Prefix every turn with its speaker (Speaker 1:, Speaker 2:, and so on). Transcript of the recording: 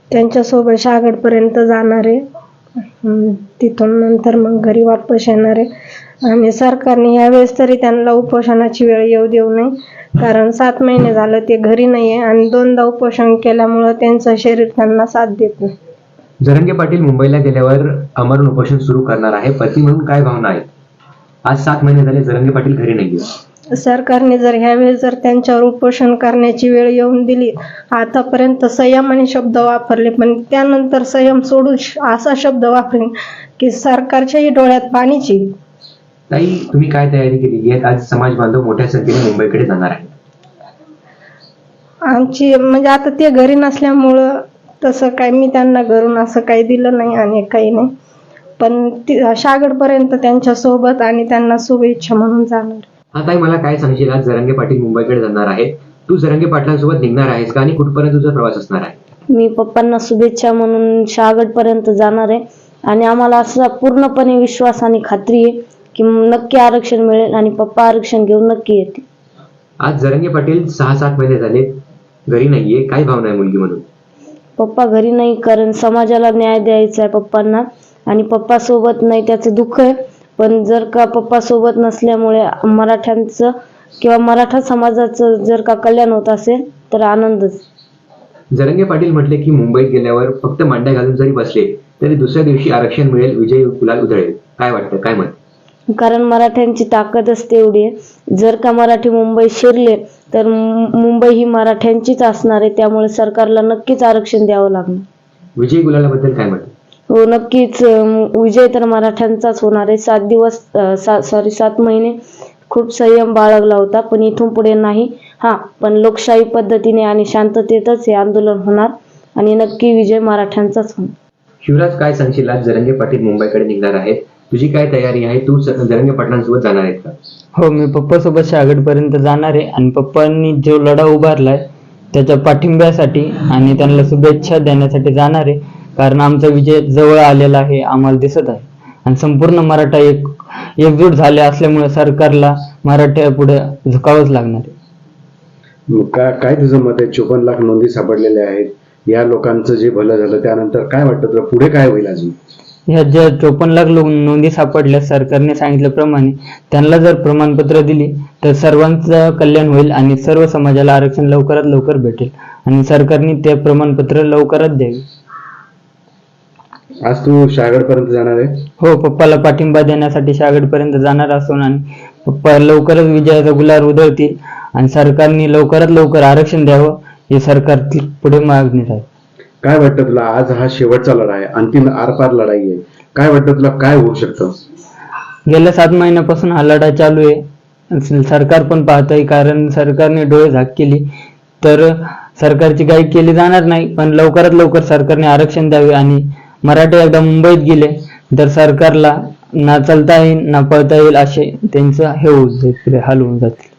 Speaker 1: त्यांच्यासोबत शागडपर्यंत जाणार आहे. तिथून नंतर मग घरी वापस येणार आहे. आणि सरकारने यावेळेस तरी त्यांना उपोषणाची वेळ येऊ देऊ नये, कारण 7 महिने झालं ते घरी नाही आहे आणि 2दा उपोषण केल्यामुळं त्यांचं शरीर त्यांना साथ देत नाही.
Speaker 2: जरांगे पाटील मुंबईला गेल्यावर आमरण उपोषण सुरू करणार आहे. पती म्हणून काय भावना आहेत? आज 7 महिने झाले जरांगे पाटील घरी नाहीये.
Speaker 1: सरकारने जर ह्यावेळेस जर त्यांच्यावर उपोषण करण्याची वेळ येऊन दिली, आतापर्यंत संयमाने शब्द वापरले, पण त्यानंतर संयम सोडून असा शब्द वापरेन की सरकारच्याही डोळ्यात पाणीची.
Speaker 2: ताई, तुम्ही काय तयारी केलेली आहे? आज समाज बांधव मोठ्या संख्येने मुंबईकडे जाणार आहे.
Speaker 1: आमची म्हणजे आता ते घरी नसल्यामुळं तसं काय मी त्यांना घरून असं काही दिलं नाही आणि काही नाही, पण शागडपर्यंत त्यांच्या सोबत आणि त्यांना शुभेच्छा म्हणून जाणार.
Speaker 2: हा ताई, मला काय सांगशील? आज जरांगे पाटील मुंबईकडे जाणार आहे, तू जरांगे पाटलांसोबत निघणार आहेस का आणि कुठपर्यंत तुझा प्रवास असणार आहे?
Speaker 3: मी पप्पांना शुभेच्छा म्हणून शागडपर्यंत जाणार आहे आणि आम्हाला असा पूर्णपणे विश्वास आणि खात्री आहे की नक्की आरक्षण मिळेल आणि पप्पा आरक्षण घेऊन नक्की येतील.
Speaker 2: आज जरांगे पाटील 6-7 महिने झाले घरी नाहीये, काय भावना आहे मुलगी म्हणून?
Speaker 3: पप्पा घरी नाही, कारण समाजाला न्याय द्यायचा आहे पप्पांना आणि पप्पा सोबत नाही त्याचं दुःख आहे. पण जर का पप्पा सोबत नसल्यामुळे मराठ्यांचं किंवा मराठा समाजाचं जर का कल्याण होत असेल तर आनंदच.
Speaker 2: जरांगे पाटील म्हटले की मुंबईत गेल्यावर फक्त मांड्या घालून जरी बसले तरी दुसऱ्या दिवशी आरक्षण मिळेल, विजय गुलाल उधळेल. काय वाटतं, काय मत?
Speaker 3: कारण मराठ्यांची ताकदच तेवढी आहे. जर का मराठी मुंबई शिरले तर मुंबई ही मराठ्यांचीच असणार आहे, त्यामुळे सरकारला नक्कीच आरक्षण द्यावं लागणार.
Speaker 2: विजय गुलालाबद्दल काय मत?
Speaker 3: हो, नक्कीच विजय तर मराठ्यांचाच होणार आहे. 7 महिने खूप संयम बाळगला होता, पण इथून पुढे नाही. पण लोकशाही पद्धतीने आणि शांततेतच हे आंदोलन होणार आणि नक्की विजय मराठ्यांचाच होणार.
Speaker 2: शिवराज, काय सांगशील? आज जरांगे पाटील मुंबईकडे निघणार आहेत, तुझी काय तयारी आहे? तू जरांगे पाटलांसोबत जाणार आहेत का?
Speaker 4: हो, मी पप्पासोबत शागडपर्यंत जाणार आहे आणि पप्पांनी जो लढा उभारलाय त्याच्या पाठिंब्यासाठी आणि त्यांना शुभेच्छा देण्यासाठी जाणार आहे, कारण आमचा विजय जवळ आलेला आहे, आम्हाला दिसत आहे. आणि संपूर्ण मराठा एकजूट झाले असल्यामुळे सरकारला मराठ्या पुढे झुकावंच लागणार आहे.
Speaker 5: काय तुझं मत आहे? 54 लाख नोंदी सापडलेल्या आहेत, या लोकांचं जे भलं झालं त्यानंतर काय वाटतं तुला, पुढे काय होईल अजून?
Speaker 4: ह्या ज्या 54 लाख नोंदी सापडल्या, सरकारने सांगितल्याप्रमाणे त्यांना जर प्रमाणपत्र दिली तर सर्वांचं कल्याण होईल आणि सर्व समाजाला आरक्षण लवकरात लवकर भेटेल आणि सरकारने ते प्रमाणपत्र लवकरात द्यावे.
Speaker 5: आज तू शागडपर्यंत जाणार आहे?
Speaker 4: हो, पप्पाला पाठिंबा देण्यासाठी शागडपर्यंत जाणार असून आणि पप्पा लवकरच विजयाचा गुलाल उधळतील आणि सरकारने लवकरात लवकर आरक्षण द्यावं हे सरकार पुढे मागणी आहे.
Speaker 5: काय वाटतं तुला? आज हा शेवटचा लढा आहे, अंतिम आरपार लढाई आहे. काय वाटतं तुला, काय होऊ शकतं?
Speaker 4: गेल्या 7 महिन्यापासून हा लढा चालू आहे. सरकार पण पाहतंय, कारण सरकारने डोळे झाक केली तर सरकारची गाई केली जाणार नाही. पण लवकरात लवकर सरकारने आरक्षण द्यावे आणि मराठे एकदा मुंबईत गेले तर सरकारला ना चालता येईल ना पळता येईल असे त्यांचं हे होऊन जाईल, हाल होऊन जातील.